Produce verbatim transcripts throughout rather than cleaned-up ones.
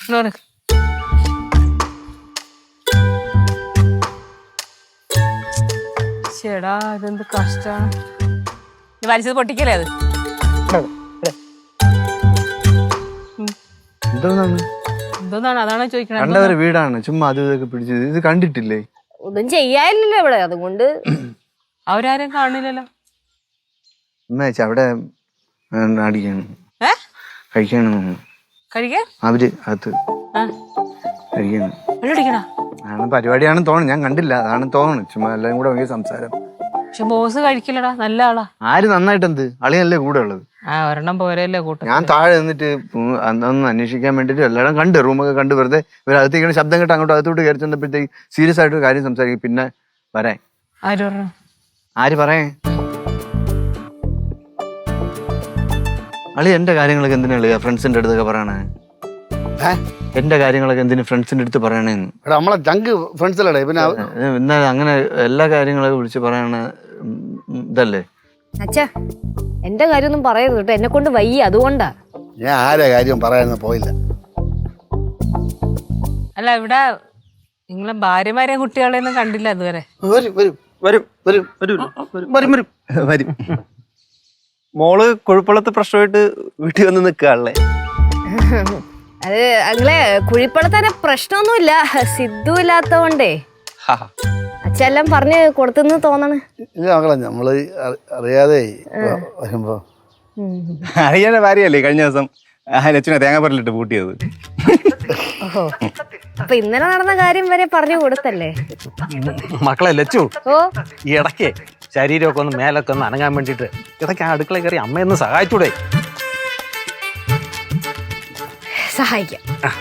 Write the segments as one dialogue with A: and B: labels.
A: ചേടാ ഇതെന്ത് കഷ്ടാണ്. വലിച്ചത് പൊട്ടിക്കല്ലേ അത്?
B: എന്തോന്നാണ്
A: എന്തോന്നാണ് അതാണ് ചോദിക്കണത്.
B: കണ്ടവരെ വീടാണ്, ചുമ്മാ അത് ഇതൊക്കെ പിടിച്ചത്. ഇത് കണ്ടിട്ടില്ലേ?
C: ഒന്നും ചെയ്യാനില്ലല്ലോ ഇവിടെ, അതുകൊണ്ട്.
A: അവരാരും കാണില്ലല്ലോ.
B: ഉമ്മേച്ച അവിടെ അടിക്കാണ്,
A: ഏ
B: കഴിക്കാണ്
A: കഴിക്കാൻ
B: അവര് അകത്ത് കഴിക്കാണ്.
A: അടിക്കണ
B: ആണ് പരിപാടിയാണെന്ന് തോന്നുന്നു, ഞാൻ കണ്ടില്ല, അതാണ് തോന്നുന്നു. ചുമ്മാ എല്ലാരും കൂടെ ഭയങ്കര സംസാരം.
A: പക്ഷെ ബോസ് കഴിക്കില്ലടാ, നല്ല ആളാ.
B: ആര് നന്നായിട്ട് എന്ത് അളിയല്ലേ കൂടെ ഉള്ളത്.
A: ആ ഒരെണ്ണം പോരല്ലേ കൂട്ടം.
B: ഞാൻ താഴെ നിന്നിട്ട് അന്നൊന്ന് അന്വേഷിക്കാൻ വേണ്ടിട്ട് എല്ലാവരും കണ്ട് റൂമൊക്കെ കണ്ട് വെറുതെ ഇവരകത്തേക്കാണ് ശബ്ദം കേട്ട് അങ്ങോട്ട് അകത്തോട്ട് കയറി ചെന്നപ്പോഴത്തേക്ക് സീരിയസ് ആയിട്ട് കാര്യം സംസാരിക്കും. പിന്നെ വരാൻ
A: ആര് പറഞ്ഞു?
B: ആര് പറയേ? അളി എന്റെ കാര്യങ്ങളൊക്കെ എന്തിനാ ഫ്രണ്ട്സിന്റെ അടുത്തൊക്കെ പറയണേ? എന്റെ കാര്യങ്ങളൊക്കെ എന്തിനു ഫ്രണ്ട്സിന്റെ അടുത്ത് പറയണേന്ന്?
D: നമ്മളെ ചങ്ക് ഫ്രണ്ട്സിലേ. പിന്നെ
B: എന്നാ അങ്ങനെ എല്ലാ കാര്യങ്ങളൊക്കെ വിളിച്ച് പറയണ ഇതല്ലേ?
C: അച്ഛാ എന്റെ കാര്യമൊന്നും പറയരുത് കേട്ടോ, എന്നെ കൊണ്ട് വയ്യ, അതുകൊണ്ടാ.
D: ഞാൻ ആരെ കാര്യം പറയാനൊന്നും പോയില്ല.
A: അല്ല ഇവിടെ നിങ്ങളെ ഭാര്യമാരെയും കുട്ടികളെയൊന്നും കണ്ടില്ല ഇതുവരെ.
D: വരും വരും
E: വരും വരും വരും വരും വരും വരും. മോള് കുഴപ്പമുള്ളത്തെ പ്രശ്നമായിട്ട് വീട്ടിൽ വന്ന് നിൽക്കാണല്ലേ?
C: അത് അങ്ങളെ കുഴിപ്പണത്തന്നെ പ്രശ്നമൊന്നുമില്ല, സിദ്ധു ഇല്ലാത്തോണ്ടേ അച്ഛെല്ലാം പറഞ്ഞ് കൊടുത്തെന്ന് തോന്നണ്.
D: ഇല്ല മക്കളെ, നമ്മള് അറിയാതെ വരുമ്പോ
E: അറിയാൻ്റെ ഭാര്യയല്ലേ കഴിഞ്ഞ ദിവസം ലച്ചുനെ തേങ്ങാപ്പറലിട്ട് പൂട്ടിയത്.
C: ഓഹോ, അപ്പൊ ഇന്നലെ നടന്ന കാര്യം വരെ പറഞ്ഞു കൊടുത്തല്ലേ?
F: മക്കളെ ലച്ചു,
C: ഓ
F: ഈ ഇടയ്ക്ക് ശരീരമൊക്കെ ഒന്ന് മേലൊക്കെ ഒന്ന് അനങ്ങാൻ വേണ്ടിട്ട് ഇടയ്ക്ക് ആ അടുക്കള കയറി അമ്മയൊന്ന് സഹായിച്ചൂടെ?
C: സഹായിക്കാം.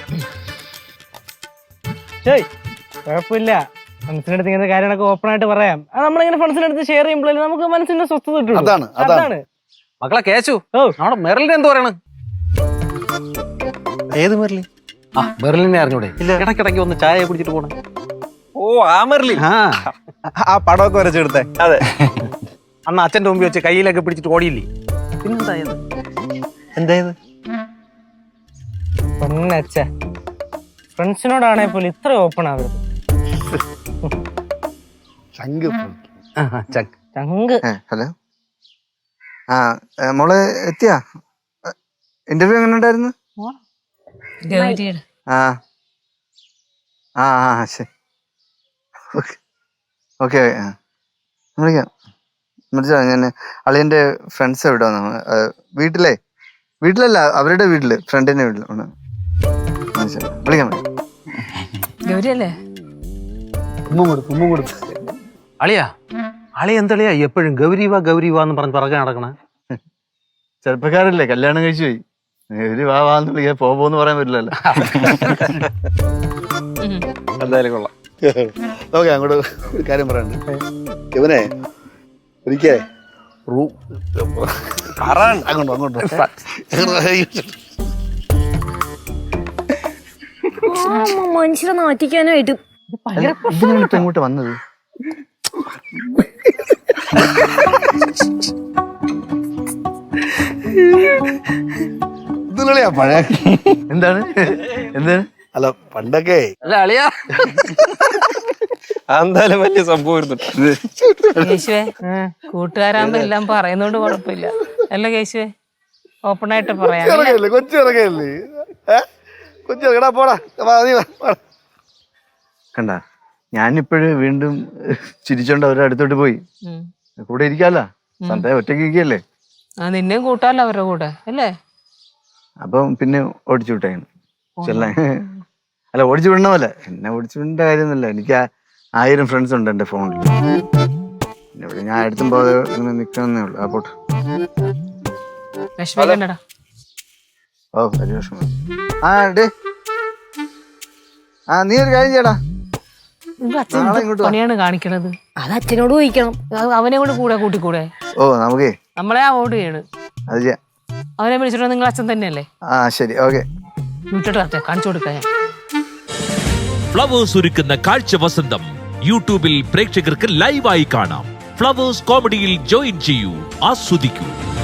G: ശരി, കുഴപ്പമില്ല. ഫ്രണ്ട്സിന്റെ അടുത്ത് ഇങ്ങനത്തെ കാര്യങ്ങളൊക്കെ ഓപ്പൺ ആയിട്ട് പറയാം. അത് നമ്മളിങ്ങനെ ഫ്രണ്ട്സിന്റെ അടുത്ത് ഷെയർ ചെയ്യുമ്പോഴേ നമുക്ക് മനസ്സിന്റെ സ്വസ്ഥത കിട്ടുള്ളൂ.
D: അതാണ് അതാണ്
F: മക്കളെ കേശു,
G: ഓ
F: നമ്മുടെ മെറിലിന് എന്ത് പറയണ്?
E: ഏത് മെറിലി?
F: ആ മെറിലിനെ അറിഞ്ഞൂടെ? ഇടയ്ക്കിടയ്ക്ക് ഒന്ന് ചായ കുടിച്ചിട്ട് പോണേ.
E: ഓ ആ മെറിലി, ആ പടമൊക്കെ വരച്ചെടുത്തേ. അതെ,
F: അന്ന് അച്ഛൻ്റെ മുമ്പിൽ വെച്ച് കയ്യിലൊക്കെ പിടിച്ചിട്ട് ഓടിയില്ലേ? പിന്നെന്തായത്?
E: എന്തായത്?
G: പൊന്നച്ഛ, ഫ്രണ്ട്സിനോടാണെ പോലും ഇത്ര ഓപ്പൺ ആവരുത്.
D: ചങ്ക്
G: ചങ്ക്.
B: ഹലോ, ആ മോളെ എത്തിയാ? ഇന്റർവ്യൂ എങ്ങനെ ഉണ്ടായിരുന്നു? ആ ആ ആ ശരി, ഓക്കെ ഓക്കെ വിളിക്കാം. വിളിച്ചോ, ഞാൻ അളിയൻ്റെ ഫ്രണ്ട്സ് എവിടെ വന്നു? വീട്ടിലേ വീട്ടിലല്ല, അവരുടെ വീട്ടില്, ഫ്രണ്ടിന്റെ വീട്ടിൽ. വിളിക്കാൻ
A: ഗൗരിയല്ലേ?
F: അളിയാ, അളി എന്തളിയാ എപ്പോഴും ഗൗരിവാ ഗൗരിവാന്ന് പറഞ്ഞ് പറക്കാൻ നടക്കണ?
B: ചെറുപ്പക്കാരല്ലേ, കല്യാണം കഴിച്ചു പോയി. ഗൗരി വാ വാന്ന് വിളിക്കാൻ പോന്ന് പറയാൻ പറ്റില്ലല്ലോ.
E: എന്തായാലും കൊള്ളാം.
D: ഓക്കെ, അങ്ങോട്ട് ഒരു കാര്യം പറയാനുണ്ട്. ഇവനെ ഒരിക്കേ അങ്ങോട്ടോ അങ്ങോട്ടോ
C: മനുഷ്യരെ നാറ്റിക്കാനായിട്ട്
B: ഇതിനാണ് ഇങ്ങോട്ട് വന്നത്.
D: ഇതിലളിയാ പഴയ
B: എന്താണ് എന്താണ്?
D: അല്ല പണ്ടൊക്കെ
F: അല്ല അളിയാ,
E: എന്തായാലും വലിയ സംഭവം.
A: കേശുവേ, കൂട്ടുകാരാകുമ്പോ എല്ലാം പറയുന്നോണ്ട് കുഴപ്പമില്ല അല്ല കേശുവേ? ഓപ്പൺ ആയിട്ട് പറയാം.
D: ഇറങ്ങല്ലേ കൊച്ചു ഇറങ്ങല്ലേ കൊച്ചു ഇറങ്ങടാ, പോടാ
B: കണ്ട, ഞാനിപ്പോഴും വീണ്ടും ചിരിച്ചോണ്ട് അവരുടെ അടുത്തോട്ട് പോയി. കൂടെ ഇരിക്കാല്ല, സന്ധ്യ ഒറ്റയ്ക്ക് ഇരിക്കല്ലേ?
A: ആ നിന്നെയും കൂട്ടാല്ലോ അവരുടെ കൂടെ അല്ലേ?
B: അപ്പം പിന്നെ ഓടിച്ചു വിട്ടേന് ചെല്ലാൻ. അല്ല, ഓടിച്ചു വിടണ പോലെ എന്നെ ഓടിച്ചു വിടേണ്ട കാര്യമൊന്നുമില്ല. എനിക്ക് ആയിരം ഫ്രണ്ട്സ് ഉണ്ട് എൻ്റെ ഫോണിൽ. പിന്നെ ഞാൻ അടുത്തും പോകാതെ ഇങ്ങനെ നിൽക്കണമെന്നേ ഉള്ളൂ. ആ പോട്ടെ.
A: വിഷമിക്കണ്ടടാ.
B: ഓ വലിയ വിഷമം. ആ ഡേ, ആ നീ ഒരു കാര്യം ചെയ്യടാ,
A: പണിയാണ് കാണിക്കണത്.
C: അത് അച്ഛനോട് ചോദിക്കണം.
A: അവനെ കൊണ്ട് കൂടെ കൂട്ടിക്കൂടെ?
B: ഓ നമുക്കേ
A: നമ്മളെ അവോയ്ഡ് ചെയ്യണ്.
B: അത് ചെയ്യാം.
A: അവനെ വിളിച്ചിട്ട് നിങ്ങൾ അച്ഛൻ തന്നെയല്ലേ?
B: ആ ശരി, ഓക്കെ.
A: വീട്ടിട്ട് വരട്ടെ, കാണിച്ചു കൊടുക്കാൻ.
H: ഫ്ലവേഴ്സ് ഒരുക്കുന്ന കാഴ്ച വസന്തം യൂട്യൂബിൽ പ്രേക്ഷകർക്ക് ലൈവായി കാണാം. ഫ്ലവേഴ്സ് കോമഡിയിൽ ജോയിൻ ചെയ്യൂ, ആസ്വദിക്കൂ.